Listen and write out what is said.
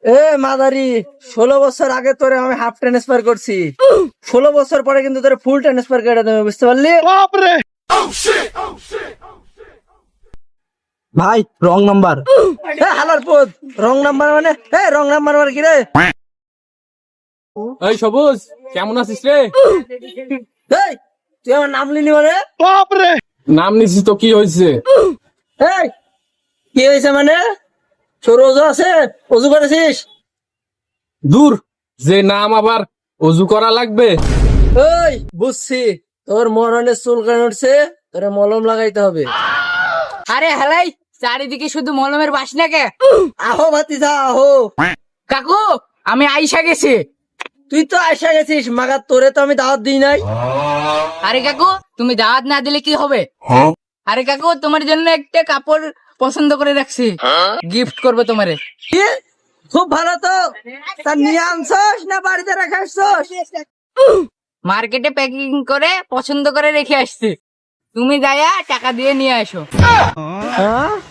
এ মাদারি, 16 বছর আগে তোরে আমি হাফ ট্রান্সফার করছি, 16 বছর পরে কিন্তু তোরে ফুল ট্রান্সফার করে দেবে, বুঝতে পারলি? ভাই রং নাম্বার। হালার পদ, রং নাম্বার মানে? রং নাম্বার মানে কি রে? এই সবুজ, কেমন আছিস রে? এই, তুই আমার নাম লিনি মানে? নাম নিছিস তো কি হয়েছে? এই, কি হয়েছে মানে? তোর অজু আছে? অজু করেছিস? দূর, যে নাম আবার অজু করা লাগবে? ওই বুঝছি, তোর মরণের চুল কেন উঠছে, তোরে মলম লাগাইতে হবে। আরে হেলাই, চারিদিকে শুধু মলমের বাসনা কে? আহো ভাতিজা আহো। কাকু, আমি আইসা গেছি। তুই তো আইসা গেছিস, মাগার তোরে তো আমি দাওয়াত দিই নাই। আরে কাকু, তুমি দাওয়াত না দিলে কি হবে? আরে কাকু, তোমার জন্য একটা কাপড় পছন্দ করে রাখছি, গিফট করবে তোমারে। কি? খুব ভালো তো। তা নিয়ে আনছস না বাড়িতে রেখে আসছস? মার্কেটে প্যাকিং করে পছন্দ করে রেখে আসছি, তুমি যাইয়া টাকা দিয়ে নিয়ে আসো। হ্যাঁ?